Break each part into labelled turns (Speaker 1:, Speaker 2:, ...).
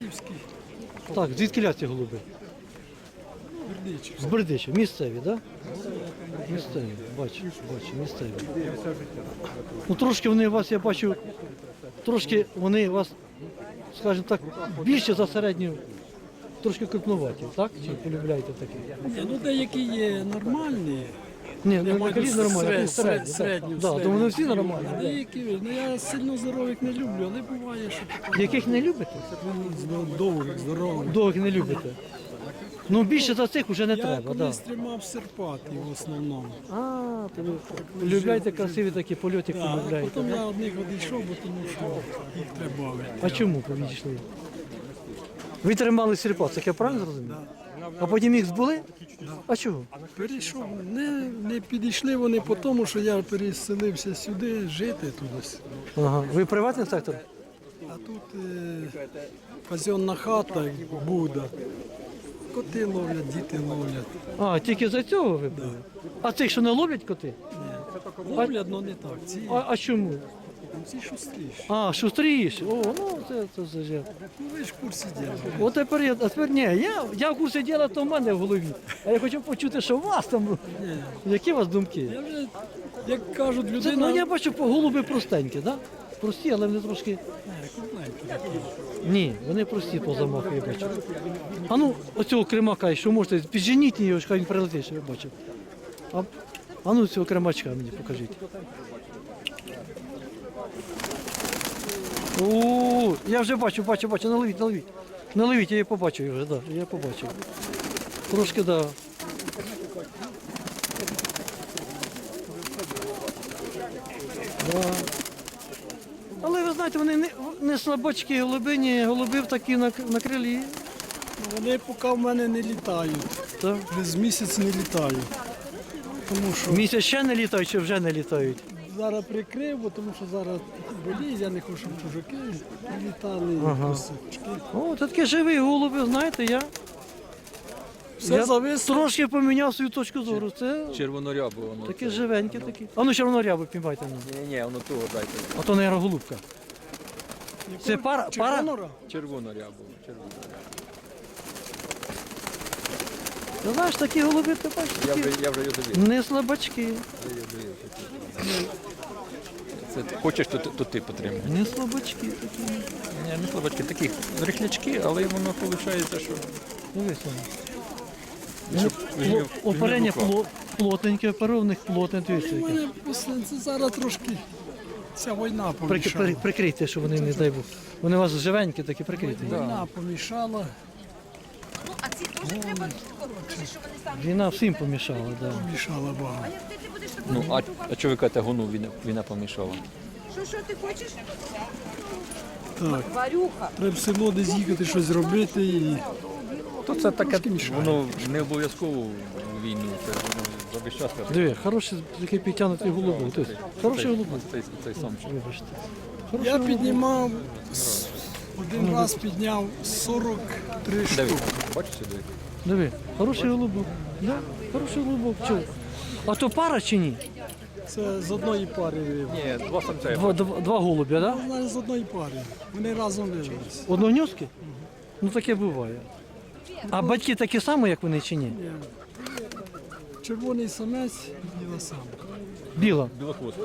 Speaker 1: Бердичівський.
Speaker 2: Так, звідки ці голуби?
Speaker 1: Бердичівський.
Speaker 2: З Бердича, місцеві, так? Да? Місцеві, бачу, місцеві. Ну трошки вони у вас, я бачу, трошки вони у вас, скажімо так, більше за середню, трошки крупнуваті, так? Чи полюбляєте такі?
Speaker 1: Ні, ну деякі є нормальні.
Speaker 2: Ні, ну не кажіть нормально, а
Speaker 1: середню.
Speaker 2: Так, то вони всі нормальні.
Speaker 1: А деякі, ну я сильно здорових не люблю, але буває, що таке.
Speaker 2: Яких не любите?
Speaker 1: Довгих, здорових.
Speaker 2: Довгих не любите. Ну більше за цих вже не
Speaker 1: Я
Speaker 2: треба,
Speaker 1: колись
Speaker 2: так.
Speaker 1: тримав серпатів в основному.
Speaker 2: А, то ви полюбляєте красиві такі польоти,
Speaker 1: А
Speaker 2: полюбляєте.
Speaker 1: потім я одних одійшов, бо тому що їх треба.
Speaker 2: А чому повідійшли? Ви тримали сірпа, це я правильно зрозумів? А потім їх збули? А чого?
Speaker 1: Перейшов, не підійшли вони по тому, що я переселився сюди жити туди.
Speaker 2: Ага. Ви приватний сектор?
Speaker 1: А тут казенна хата, Буда. Коти ловлять, діти ловлять.
Speaker 2: А, тільки за цього ви були? А цих, що не ловлять коти?
Speaker 1: Ловлять, але не так.
Speaker 2: А чому?
Speaker 1: Ці шустріші.
Speaker 2: А, шустріші. О, ну це вже.
Speaker 1: Ну ви ж в курсі діла.
Speaker 2: От тепер ні, я в курсі діла, то в мене в голові. А я хочу почути, що у вас там. Які у вас думки?
Speaker 1: Я вже, як кажуть,
Speaker 2: Це,
Speaker 1: людина...
Speaker 2: ну я бачу, голуби простенькі, так? Да? Прості, але вони трошки. Ні, вони прості по замаху, я бачу. А ну, оцього кремака, якщо можете, підженіть його, хай він прилетить, що я бачив. А ну цього кремачка мені покажіть. О, я вже бачу, наловіть. Наловіть, я її побачив вже, да, я побачив. Трошки, да. Да. Але ви знаєте, вони не слабачки голубині, голубів такі на крилі.
Speaker 1: Вони поки в мене не літають.
Speaker 2: Так.
Speaker 1: Без місяць не літають. Тому що
Speaker 2: Місяць ще не літають чи вже не літають?
Speaker 1: зараз прикрив, бо тому що зараз боліє, я не хочу, щоб чужаки літали, косички.
Speaker 2: О, це такі живі голуби, знаєте, я
Speaker 1: Все зависло.
Speaker 2: трошки поміняв свою точку зору. Це
Speaker 3: Червонорябу воно.
Speaker 2: такі живенькі такі. А ну червонорябу піймайте нам.
Speaker 3: Ні, воно того дайте.
Speaker 2: А то, мабуть, голубка. Це пара?
Speaker 1: Червонора?
Speaker 3: Червонорябу.
Speaker 2: Ти знаєш, такі голуби, ти бачиш,
Speaker 3: Я
Speaker 2: такі
Speaker 3: вже його дивив.
Speaker 2: не слабачки.
Speaker 3: Це хочеш, то ти потримай.
Speaker 2: Не слабачки такі.
Speaker 3: Ні, не слабачки, такі рихлячки, але воно виходить, що...
Speaker 2: Дивись
Speaker 3: Щоб
Speaker 2: оперення плотненьке, оперованих плотне, дивіться.
Speaker 1: У
Speaker 2: яке.
Speaker 1: мене це зараз трошки ця війна помішала.
Speaker 2: Прикрийте, щоб вони не дай Бог. Вони у вас живенькі такі, прикрийте.
Speaker 1: Війна помішала,
Speaker 4: Ну, а ці теж треба хороші, щоб вони самі.
Speaker 2: Війна всім помішала, да.
Speaker 1: помішала багато.
Speaker 4: Як ти будеш
Speaker 3: Ну, а чого ви кажете, гону війна помішала?
Speaker 4: Що ти хочеш?
Speaker 1: Так,
Speaker 4: Варюха.
Speaker 1: треба в село десь їхати, щось робити і
Speaker 3: То це таке, воно не обов'язково в війну, це воно за весь час.
Speaker 2: Диви, хороші такі підтягнуті голуби. Тобто, хороші голуби.
Speaker 3: Цей сам.
Speaker 2: Вибачте.
Speaker 1: я піднімав, один раз підняв 43 штуки.
Speaker 3: Бачиш сюди?
Speaker 2: Диви, хороший голубок. Да, хороший голубок. Чого? А то пара чи ні?
Speaker 1: Це з одної пари вивели.
Speaker 3: Ні, два самця.
Speaker 2: Два голубя, так? Да?
Speaker 1: Знаєш, з одної пари. Вони разом вивелися.
Speaker 2: Одногньозки? Ну таке буває. А батьки такі самі, як вони чи ні?
Speaker 1: Червоний самець, біла самка.
Speaker 2: Біла.
Speaker 3: Білохвостка.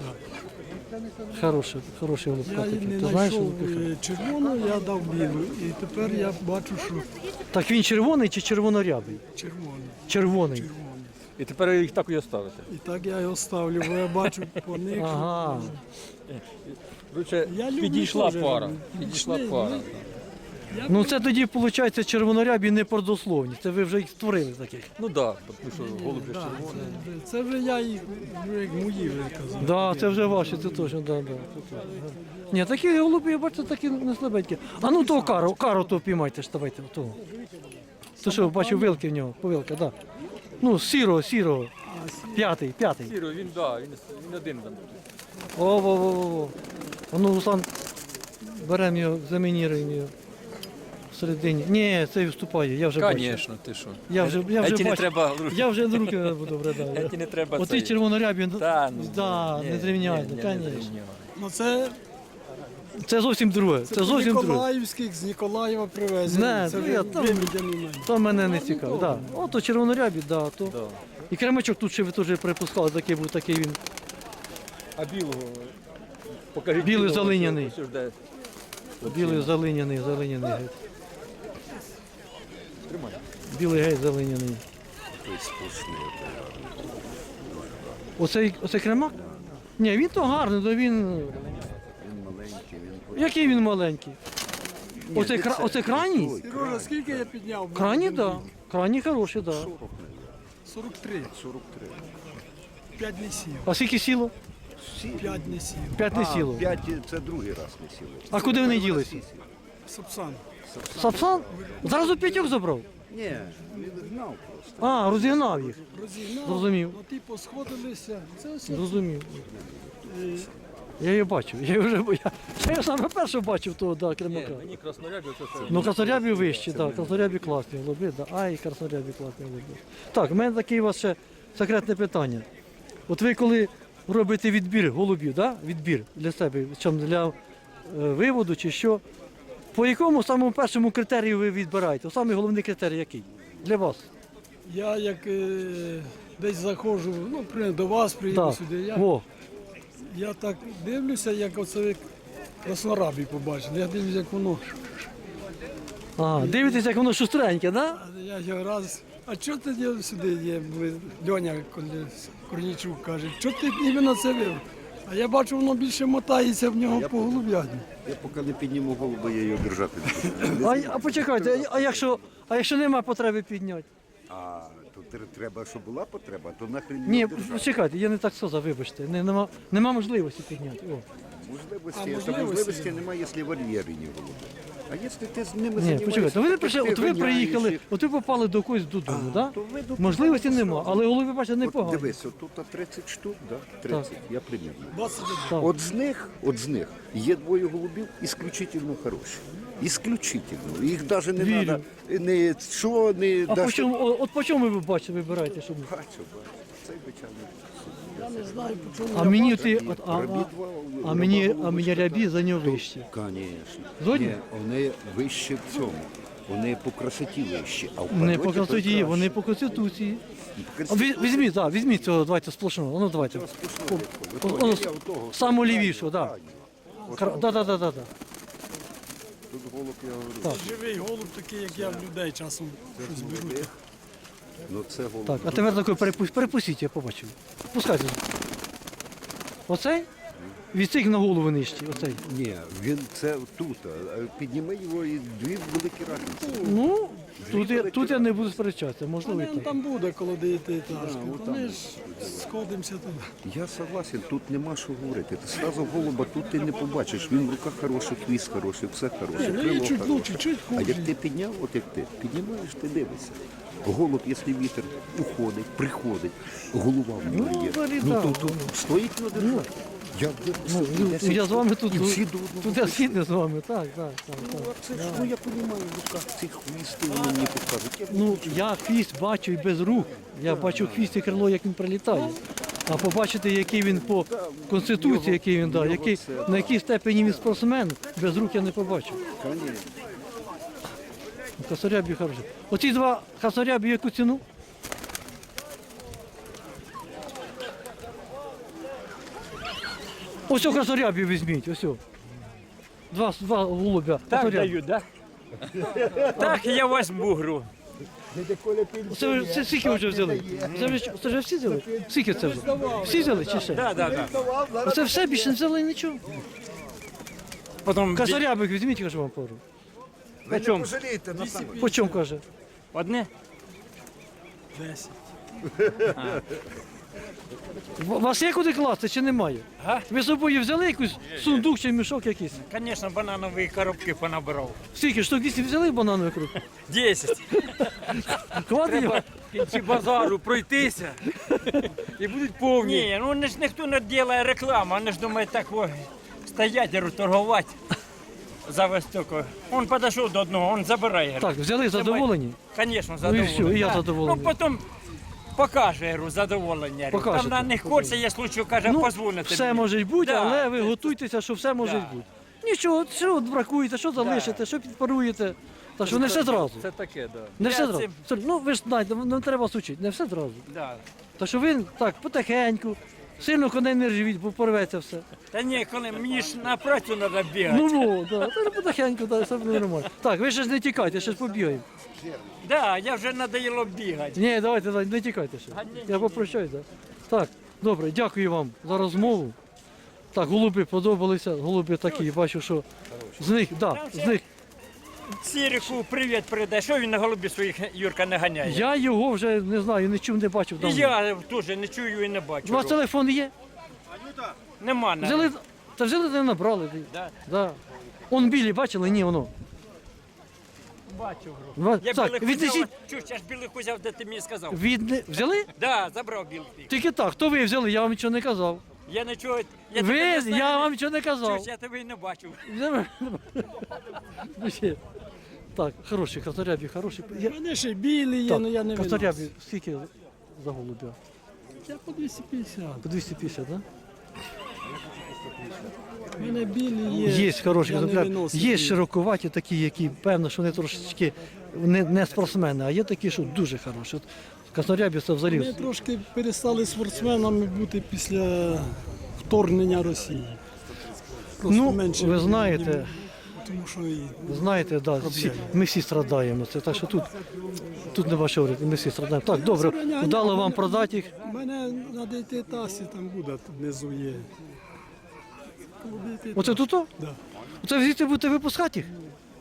Speaker 2: Хороший голубка
Speaker 1: Я
Speaker 2: такий.
Speaker 1: не
Speaker 2: Ти знаєш,
Speaker 1: знайшов
Speaker 2: голубка?
Speaker 1: червону, я дав білу. І тепер я бачу, що
Speaker 2: Так він червоний чи червонорябий?
Speaker 1: червоний.
Speaker 2: Червоний.
Speaker 3: І тепер їх так і оставити.
Speaker 1: І так я його ставлю, бо я бачу по них. що
Speaker 2: Ага.
Speaker 3: Короче,
Speaker 1: Я люблю
Speaker 3: підійшла
Speaker 1: теж,
Speaker 3: пара.
Speaker 1: люблю.
Speaker 3: Підійшла
Speaker 1: Пішли,
Speaker 3: пара.
Speaker 2: Ну це тоді, виходить, червонорябі не продословні. Це ви вже їх створили таких.
Speaker 3: Ну так, тому що голуб же
Speaker 1: Да,
Speaker 3: червоний.
Speaker 1: це вже я їх, вже як мої вже казав.
Speaker 2: Да, це вже ваші, це точно, да. Ні, такі голуби, я бачу, такі не слабенькі. А ну того кару то піймайте ж, давайте, того. То що, бачу, вилки в нього, повилка, да. Ну, сірого. П'ятий.
Speaker 3: Сіро, він один там.
Speaker 2: О. А ну, Руслан, беремо його, замініруємо його. Всередині. Ні, цей вступає, я вже бачу.
Speaker 3: Звісно, ти що.
Speaker 2: Я вже
Speaker 3: Ті не
Speaker 2: бачу.
Speaker 3: треба.
Speaker 2: Я вже на руки не буду брати.
Speaker 3: Ті не треба.
Speaker 2: Оці червонорябі,
Speaker 3: Та, ну,
Speaker 2: да,
Speaker 3: ні,
Speaker 2: не зрівняють,
Speaker 3: ні, не
Speaker 2: звісно.
Speaker 3: зрівняють.
Speaker 1: Ну це
Speaker 2: Це зовсім друге. Це зовсім друге.
Speaker 1: Ніколаївських, з Ніколаєва привезені.
Speaker 2: Не,
Speaker 1: Це
Speaker 2: ну,
Speaker 1: вже
Speaker 2: я там-
Speaker 1: виведені мене.
Speaker 2: То мене не цікаво. Да. Ото червонорябі, да, то.
Speaker 3: Да.
Speaker 2: І кремачок тут ще ви теж припускали, такий був, такий він.
Speaker 3: А білого? Покажіть
Speaker 2: Білий
Speaker 3: білого,
Speaker 2: залиняний.
Speaker 3: ось де.
Speaker 2: Білий залиняний геть.
Speaker 3: Тримай.
Speaker 2: Білий геть залиняний. Оцей кремак? Ні, він то гарний, то він.
Speaker 5: Він маленький, він
Speaker 2: Який він маленький? Оце крайній?
Speaker 1: Сережа, скільки я підняв?
Speaker 2: Крайній, так. Да. Крайній хороший, так. Да.
Speaker 1: 43.
Speaker 5: 43.
Speaker 1: 5 не сів.
Speaker 2: А скільки сіло?
Speaker 1: 5 не сів.
Speaker 2: 5 не сіло.
Speaker 5: 5 це другий раз не сіло.
Speaker 2: А куди вони ділися?
Speaker 1: Сапсан.
Speaker 2: Сапсан? Зразу п'ятьох забрав?
Speaker 5: Ні, він гнав просто.
Speaker 2: А, розігнав їх.
Speaker 1: Розігнав.
Speaker 2: Зрозумів.
Speaker 1: Ну, ті посходилися. Це ось
Speaker 2: Зрозумів. Я її бачив. Я саме перше бачив того, да, кремака.
Speaker 3: Мені краснорябі це.
Speaker 2: Ну, краснорябі вищі, так, краснорябі класні голуби, да. Ай, краснорябі класні голуби. Так, у мене таке у вас ще секретне питання. От ви коли робите відбір голубів, да? Відбір для себе, чим для виводу чи що, по якому самому першому критерію ви відбираєте? Самий головний критерій який? Для вас?
Speaker 1: Я як десь заходжу, ну, до вас приїду
Speaker 2: Так.
Speaker 1: сюди.
Speaker 2: Во.
Speaker 1: Я так дивлюся, як оце ви краснорабі побачили. Я дивлюся, як воно.
Speaker 2: Ага, дивитесь, як воно шустреньке, да?
Speaker 1: А я його раз. А чого ти дів сюди є? Льоня Корнійчук каже, чого ти іменно це вив? А я бачу, воно більше мотається в нього по голуб'яні.
Speaker 5: Я поки не підніму голову, я його держати не буду.
Speaker 2: А почекайте, а якщо немає потреби підняти?
Speaker 5: А то треба, щоб була потреба, то нахрен
Speaker 2: Ні,
Speaker 5: його держати.
Speaker 2: почекайте, я не так сказав, вибачте. Нема можливості підняти. О.
Speaker 5: Можливості немає, якщо вольєри не голуби. А якщо ти з ними
Speaker 2: Ні,
Speaker 5: займаєшся,
Speaker 2: почекайте, ви не прийшли,
Speaker 5: ти
Speaker 2: от ви
Speaker 5: ганяєш
Speaker 2: приїхали,
Speaker 5: їх.
Speaker 2: от ви попали до когось додому, да?
Speaker 5: то ви до
Speaker 2: Можливості
Speaker 5: когось
Speaker 2: нема, але голуби, бачите,
Speaker 5: От
Speaker 2: непогані.
Speaker 5: дивись, от тут 30 штук, да? 30, я примірно.
Speaker 1: 21.
Speaker 2: Так.
Speaker 5: От з них є двоє голубів ісключительно хороші. Ісключительно. Їх навіть не
Speaker 2: Вірю.
Speaker 5: треба, не що, не
Speaker 2: А
Speaker 5: даже-
Speaker 2: по чому, от по чому ви бачите, вибираєте, щоб...
Speaker 5: Бачу. Цей бичаний.
Speaker 1: Я не знаю, по чому.
Speaker 2: А
Speaker 1: я
Speaker 2: мені
Speaker 1: бачу.
Speaker 2: ти, а мені рябі за нього вищі.
Speaker 5: Звісно.
Speaker 2: Згодні?
Speaker 5: Ні, вони вище в цьому. Вони по красоті вищі. А в
Speaker 2: Не
Speaker 5: польоті
Speaker 2: по
Speaker 5: то
Speaker 2: конституції,
Speaker 5: краще.
Speaker 2: вони по конституції.
Speaker 5: По
Speaker 2: А візьміть, так, візьміть цього, давайте сплошного, ну давайте. Воно самого лівішого, так. Да.
Speaker 5: Тут голуб, я говорю.
Speaker 2: Так.
Speaker 1: Живий голуб такий, як я в людей часом щось беру.
Speaker 5: Ну це голуб.
Speaker 2: Так, а тепер такий перепустіть, я побачив. Пускайте. Оцей? Від цих на голову нижчі, оцей.
Speaker 5: Ні, він це тут. А підніми його і дві великі разниці.
Speaker 2: Ну, тут я не буду сперечатися, можливо і
Speaker 1: Він
Speaker 2: так.
Speaker 1: там буде коло 9 етажки. То ми ж сходимося туди.
Speaker 5: Я согласен, тут нема що говорити. Ти сразу голуба тут ти не побачиш. Він в руках хороший, хвіст хороший, все хороше,
Speaker 1: Ну і
Speaker 5: крило
Speaker 1: чуть
Speaker 5: хороше.
Speaker 1: лучше, чуть
Speaker 5: А як
Speaker 1: хуже.
Speaker 5: ти підняв, от як ти, піднімаєш, ти дивишся. Голуб, якщо вітер уходить, приходить, голова в нього є.
Speaker 2: взагалі,
Speaker 5: Ну
Speaker 2: так.
Speaker 5: то стоїть на державі. Я дивлюся,
Speaker 2: Я з вами тут,
Speaker 5: і всі до одного.
Speaker 2: тут я згідний з вами, так.
Speaker 5: Ну, а це ж, ну я розумію, в руках цих хвісти вони мені покажуть. Я
Speaker 2: Ну, я хвіст бачу і без рук. Я бачу хвіст і крило, як він прилітає. А побачити, який він по конституції, який він, да, який, на якій степені він спортсмен, без рук я не побачу.
Speaker 5: Конечно.
Speaker 2: Косарябі хороші. Оці два косарябі яку ціну? Ось цього косарябі візьміть, ось. Два голубя.
Speaker 6: Так
Speaker 2: косарябі.
Speaker 6: даю, да? Так, я возьму гру.
Speaker 2: Це скільки ви вже взяли? Це вже всі взяли? Скільки це вже? Всі взяли чи ще?
Speaker 6: Да.
Speaker 2: Оце все більше не взяли нічого.
Speaker 6: Потім
Speaker 2: Косарябик візьміть, кажу вам пору.
Speaker 6: по чому?
Speaker 2: По чому каже?
Speaker 6: Одне?
Speaker 1: 10.
Speaker 2: У вас є куди класти чи немає?
Speaker 6: Га?
Speaker 2: Ви з собою взяли якийсь сундук чи мішок якийсь?
Speaker 6: Звісно, бананові коробки понабрав.
Speaker 2: Скільки? Штук 200 взяли бананових круг?
Speaker 6: 10.
Speaker 2: Хватить його?
Speaker 6: Треба в кінці базару пройтися. І будуть повні. Ні, ну ж ніхто не робить рекламу, вони ж думають так стоять і торгувати за вистокою. Він підійшов до одного, він забирає.
Speaker 2: Так, взяли задоволені?
Speaker 6: Звісно,
Speaker 2: Ну і
Speaker 6: задоволений.
Speaker 2: все, і я
Speaker 6: Да.
Speaker 2: задоволений.
Speaker 6: Ну потім покаже говорю, задоволення. Говорю.
Speaker 2: Покажете.
Speaker 6: Там на них хочеться, є случай, каже,
Speaker 2: Ну,
Speaker 6: позвонити.
Speaker 2: все
Speaker 6: мені.
Speaker 2: може бути,
Speaker 6: Да.
Speaker 2: але ви готуйтеся, що все може
Speaker 6: Да.
Speaker 2: бути. Нічого, що бракуєте, що залишите, що підпаруєте. Так що не все зразу.
Speaker 3: Це таке, да.
Speaker 2: Не
Speaker 6: Я
Speaker 2: все зразу.
Speaker 6: цим-
Speaker 2: Ну ви ж знаєте, не треба вас учити, не все зразу.
Speaker 6: Да.
Speaker 2: Так що він так, потихеньку, сильно коней не ржавіть, бо порветься все.
Speaker 6: Та ні, коли мені ж на працю треба бігати.
Speaker 2: Ну, да, та потихеньку, так, все буде нормально. Так, ви ще ж не тікайте, ще ж побігаємо.
Speaker 6: Да, я вже надоїло бігати.
Speaker 2: Ні, давайте, не тікайте ще. Я попрощаюсь, так. Так, добре, дякую вам за розмову. Так, голуби подобалися, голуби такі, бачу, що з них, з них.
Speaker 6: Сіріку привіт передай. Що він на голубі своїх Юрка не ганяє?
Speaker 2: Я його вже не знаю, не чув, не бачив
Speaker 6: І
Speaker 2: давно.
Speaker 6: я теж не чую і не бачу.
Speaker 2: У вас телефон є?
Speaker 6: Нема навіть.
Speaker 2: Взяли, та взяли, не набрали.
Speaker 6: Да.
Speaker 2: Да. Он білі, бачили? Ні, воно.
Speaker 6: Бачу.
Speaker 2: Так,
Speaker 6: Я білих
Speaker 2: віднесіть,
Speaker 6: взяв, чуєш, я ж білих взяв, де ти мені сказав.
Speaker 2: взяли?
Speaker 6: Да, забрав білих.
Speaker 2: Тільки так, хто ви взяли, я вам нічого не казав.
Speaker 6: Я не чую, я
Speaker 2: Ви,
Speaker 6: тебе не знаю.
Speaker 2: я вам нічого не казав.
Speaker 6: Чуєш, я тебе і не бачив.
Speaker 2: Ну, ще. Так, хороший, краснорябі, хороший. Я...
Speaker 1: Вони ще білі є, але я не виносив.
Speaker 2: Краснорябі, скільки за голубя?
Speaker 1: Я по 250.
Speaker 2: По 250, так? Да?
Speaker 1: У мене білі є.
Speaker 2: Є хороші
Speaker 1: я не
Speaker 2: краснорябі.
Speaker 1: виносив
Speaker 2: Є
Speaker 1: їх.
Speaker 2: широковаті такі, які, певно, що вони трошечки не спортсмени, а є такі, що дуже хороші. От краснорябі це
Speaker 1: Ми
Speaker 2: взагалі.
Speaker 1: трошки перестали спортсменами бути після вторгнення Росії. Просто
Speaker 2: Ну,
Speaker 1: менше
Speaker 2: ви знаєте,
Speaker 1: тому що і
Speaker 2: Ви знаєте, да, ми всі страдаємо. Це так що тут не ваше говорити, ми всі страдаємо. Так, добре, вдало вам продати їх.
Speaker 1: у мене на ДТ-тасі там буде, тут внизу є.
Speaker 2: Оце тут?
Speaker 1: Да.
Speaker 2: Оце звідти будете випускати їх?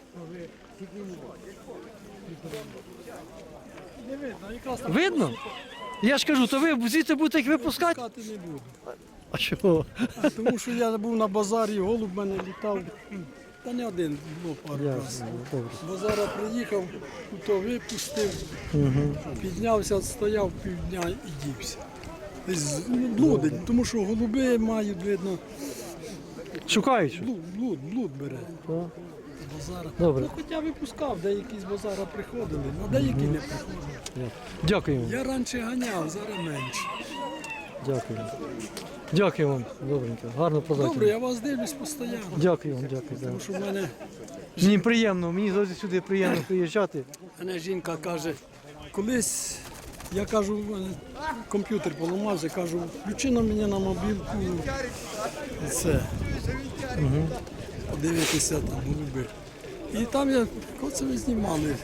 Speaker 2: Видно? Я ж кажу, то ви звідти будете їх випускати?
Speaker 1: Пускати не буду.
Speaker 2: А чого?
Speaker 1: Тому що я був на базарі, голуб в мене літав. Та не один, було пару разів.
Speaker 2: Ясно, добре.
Speaker 1: З базара приїхав, то випустив, піднявся, стояв півдня і дівся. Десь блудить, тому що голуби мають, видно,
Speaker 2: Шукають? що?
Speaker 1: блуд бере.
Speaker 2: Так.
Speaker 1: З базара.
Speaker 2: Добре.
Speaker 1: Ну, хоча випускав, деякі з базара приходили, а деякі не приходили.
Speaker 2: Дякую.
Speaker 1: Я раніше ганяв, зараз менше.
Speaker 2: Дякую. Дякую вам, добренько. Гарно продати.
Speaker 1: Добре, я вас дивлюсь постійно.
Speaker 2: Дякую вам, дякую. Да.
Speaker 1: Тому що в мене
Speaker 2: Мені приємно, мені завжди сюди приємно приїжджати.
Speaker 1: Мене жінка каже, колись я кажу, в мене комп'ютер поламався, кажу, включи на мене на мобілку це. Подивитися там голуби. І там я, коли це ви знімали,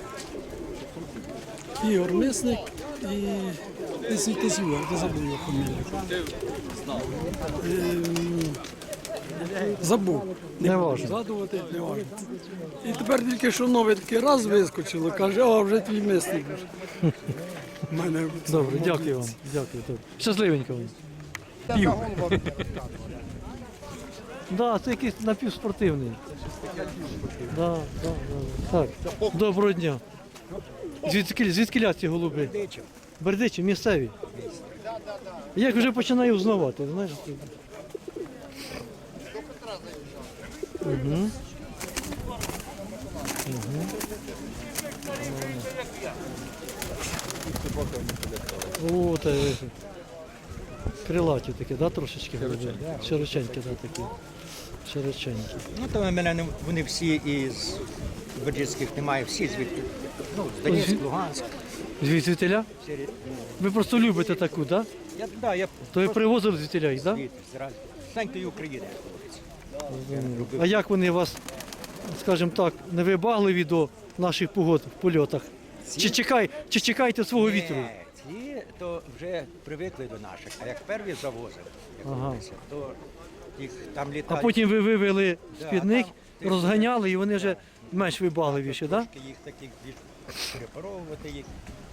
Speaker 1: Ігор Мисник і Тисюга, я забув його фамілію. Забув.
Speaker 2: Не
Speaker 1: буду
Speaker 2: важно.
Speaker 1: згадувати, не важно. І тепер тільки що нове такий раз вискочило, каже, а вже твій мисник. У мене це
Speaker 2: Добре,
Speaker 1: в
Speaker 2: дякую вам.
Speaker 1: мобілці.
Speaker 2: Дякую. Добре. Щасливенько вам. Пів. Да, це якийсь напівспортивний. Да. Так. Доброго дня. Звідки ці голуби? Бердичі, місцеві. Я їх вже починаю узнавати, знаєш. О, та крилаті такі, да, трошечки голуби? Широченькі, да, такі. Широченькі.
Speaker 7: Ну, то в мене вони всі із Бердичських немає, всі звідки. Ну, з Донецьк, Луганськ.
Speaker 2: Звідтіля?
Speaker 7: Всі,
Speaker 2: Ви просто любите таку, так? Да?
Speaker 7: я
Speaker 2: То ви привозили звідтіля їх, так?
Speaker 7: звідти, зразу. Станьте України.
Speaker 2: А як вони вас, скажімо так, не вибагливі до наших погод в польотах? Чи чекаєте свого вітру?
Speaker 7: Ці то вже привикли до наших, а як перві завозили, як
Speaker 2: Ага.
Speaker 7: говориться, то їх там
Speaker 2: А
Speaker 7: літають.
Speaker 2: потім ви вивели
Speaker 7: Да,
Speaker 2: з-під них,
Speaker 7: там
Speaker 2: розганяли і вони вже менш вибагливіші, так?
Speaker 7: Трошки їх таких перепаровувати їх.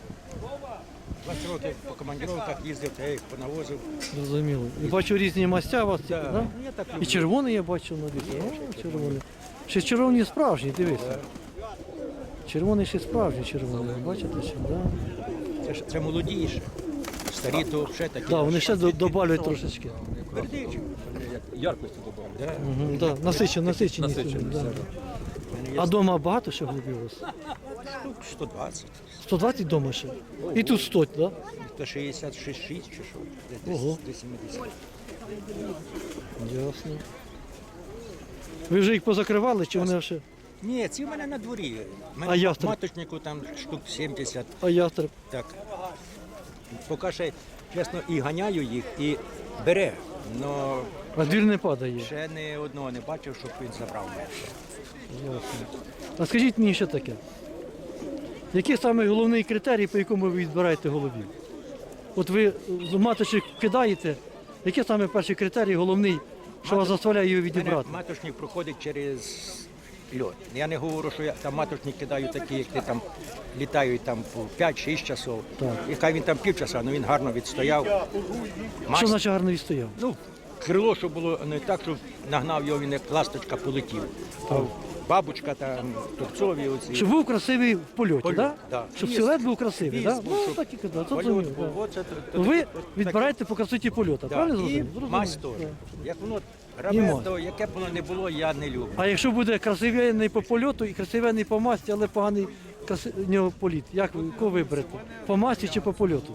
Speaker 7: 20 років по командировках їздив, я їх понавозив.
Speaker 2: Зрозуміло. І бачу різні мастя у вас,
Speaker 7: Да.
Speaker 2: да?
Speaker 7: Ну, я так
Speaker 2: І
Speaker 7: люблю.
Speaker 2: червоний я бачу на вітрі. О, червоний. Ще червоні справжні, дивися. Червоний ще справжній червоний, бачите ще, да?
Speaker 7: Це молодіше. Старі то ще такі.
Speaker 2: Да, вони ще добавлять трошечки.
Speaker 7: Бердичі.
Speaker 3: Яркості додали.
Speaker 2: Да, насичені. Да. А вдома багато ще голубів у вас?
Speaker 7: 120.
Speaker 2: 120 вдома ще? І тут 100, так? Да?
Speaker 7: 166 чи що? Десь
Speaker 2: Ого.
Speaker 7: до 70.
Speaker 2: Ясно. Ви вже їх позакривали, чи вони ще?
Speaker 7: Ні, ці в мене на дворі. У мене
Speaker 2: А ястреб?
Speaker 7: маточнику там штук 70.
Speaker 2: А ястреб?
Speaker 7: Так. Поки ще, чесно, і ганяю їх, і бере. Но
Speaker 2: А двір не падає.
Speaker 7: ще не одного не бачив, щоб він забрав мене.
Speaker 2: Ясно. А скажіть мені ще таке. Який саме головний критерій, по якому ви відбираєте голубів? От ви маточник кидаєте, який саме перший критерій головний, що вас заставляє його
Speaker 7: У мене
Speaker 2: відібрати?
Speaker 7: маточник проходить через льот. Я не говорю, що я там маточник кидаю такі, як ти там літають там по 5-6 часов.
Speaker 2: Так.
Speaker 7: І хай він там півчаса, але він гарно відстояв.
Speaker 2: Що значить гарно відстояв?
Speaker 7: Ну, крило, щоб було не так, щоб нагнав його, він як ласточка полетів. А бабочка там, тупцові оці.
Speaker 2: Щоб був красивий в польоті,
Speaker 7: Польот,
Speaker 2: да?
Speaker 7: да.
Speaker 2: Щоб
Speaker 7: Хвіст,
Speaker 2: силует був красивий,
Speaker 7: хвіст
Speaker 2: да?
Speaker 7: був,
Speaker 2: Ну,
Speaker 7: щоб
Speaker 2: так і казав, це
Speaker 7: Польот
Speaker 2: зрозуміло,
Speaker 7: був,
Speaker 2: да.
Speaker 7: оце
Speaker 2: Ви
Speaker 7: таке.
Speaker 2: відбираєте по красоті польоту,
Speaker 7: Да.
Speaker 2: правильно
Speaker 7: І
Speaker 2: зрозумів? Зрозумів.
Speaker 7: масть теж.
Speaker 2: Да.
Speaker 7: Як воно
Speaker 2: І
Speaker 7: рабе,
Speaker 2: масть.
Speaker 7: то яке б воно не було, я не люблю.
Speaker 2: А якщо буде красивенний по польоту і красивенний по масті, але поганий в нього політ, як ви кого виберете? По масті чи по польоту?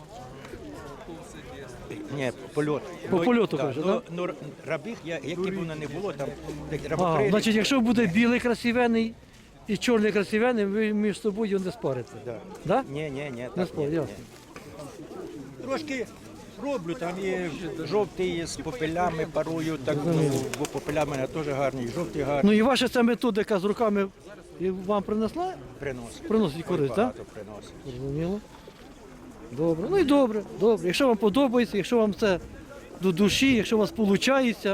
Speaker 7: Ні, польот.
Speaker 2: По польоту,
Speaker 7: да,
Speaker 2: каже,
Speaker 7: ну,
Speaker 2: да?
Speaker 7: ну, рабих, які б воно не було, там
Speaker 2: А,
Speaker 7: рабокрилі.
Speaker 2: значить, якщо буде білий красивенний і чорний красивенний, ви між собою не спарите.
Speaker 7: Да.
Speaker 2: Да?
Speaker 7: Ні,
Speaker 2: Не
Speaker 7: так,
Speaker 2: спор,
Speaker 7: ні,
Speaker 2: ясно.
Speaker 7: ні. Трошки роблю, там є жовтий з попелями парую, так, ну, бо попеля в мене теж гарні, жовті гарні,
Speaker 2: Ну і ваша ця методика з руками і вам принесла?
Speaker 7: приносить.
Speaker 2: Приносить користь, так?
Speaker 7: Багато приносить.
Speaker 2: Зрозуміло. Добре. Ну і добре, добре. Якщо вам подобається, якщо вам це до душі, якщо у вас виходить,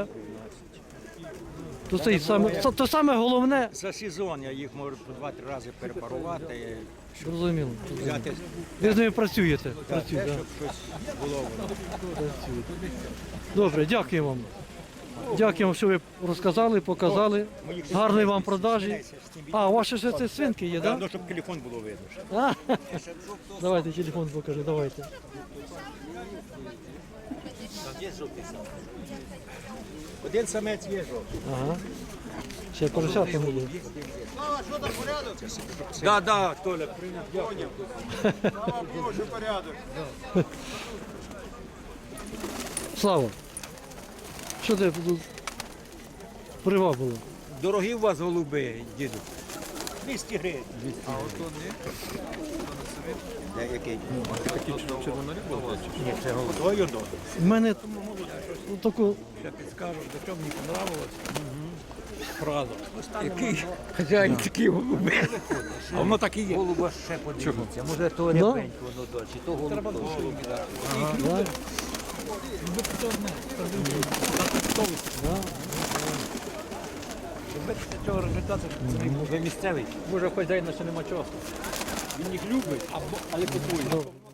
Speaker 2: то це то саме головне.
Speaker 7: За сезон я їх можу по 2-3 рази перепарувати,
Speaker 2: Зрозуміло.
Speaker 7: взяти
Speaker 2: Ви з ними працюєте.
Speaker 7: те,
Speaker 2: Працюєте,
Speaker 7: щоб щось було воно.
Speaker 2: Добре, дякую вам. Дякую, що ви розказали, показали. Гарної вам продажі. А, у вас ще це свинки є, так?
Speaker 7: Ну, щоб телефон було видно. ще.
Speaker 2: А? Давайте телефон покажи, давайте.
Speaker 7: Один самець є жовтий.
Speaker 2: Ага. Ще поросятка буде.
Speaker 7: Да, Толя, прийняв.
Speaker 2: Слава, що ти тут привабило?
Speaker 7: Дорогі у вас голуби, діду. 200 гривень. А ото не? Який?
Speaker 3: Такі червонорі були?
Speaker 7: Ні, це голубой одно.
Speaker 2: У мене таку
Speaker 1: Я підскажу, до чого мені понравилось. Фраза. Який хазяїн такий голуби. А воно так і є.
Speaker 7: Голуба ще подивіться. Може то
Speaker 2: Ну?
Speaker 7: рябенько воно далі, то голуб.
Speaker 1: Треба душою віддати.
Speaker 2: да?
Speaker 1: Щоб цього результату
Speaker 7: Ви місцевий?
Speaker 1: може хазяїна ще нема часу. Він їх любить, але купує.